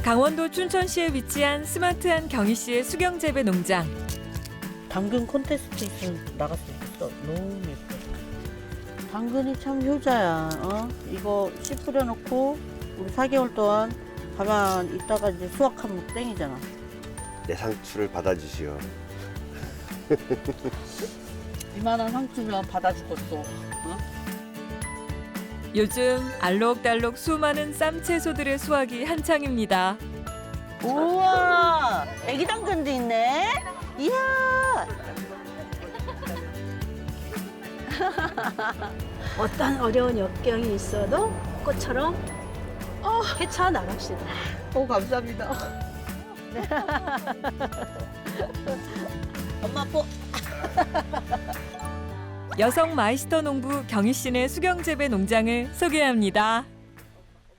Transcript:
강원도 춘천시에 위치한 스마트한 경희 씨의 수경 재배 농장. 당근 콘테스트 있으면 나갔으면 좋겠어. 너무 예뻐. 당근이 참 효자야. 이거 씨 뿌려놓고 우리 4개월 동안 가만 있다가 이제 수확하면 땡이잖아. 내 상추를 받아주시오. 이만한 상추면 받아주겠어. 요즘 알록달록 수많은 쌈 채소들의 수확이 한창입니다. 우와, 애기 당근도 있네. 이야. 어떤 어려운 역경이 있어도 꽃처럼 헤쳐나갑시다. 오, 감사합니다. 엄마 뽀. 여성 마이스터 농부 경희 씨네 수경 재배 농장을 소개합니다.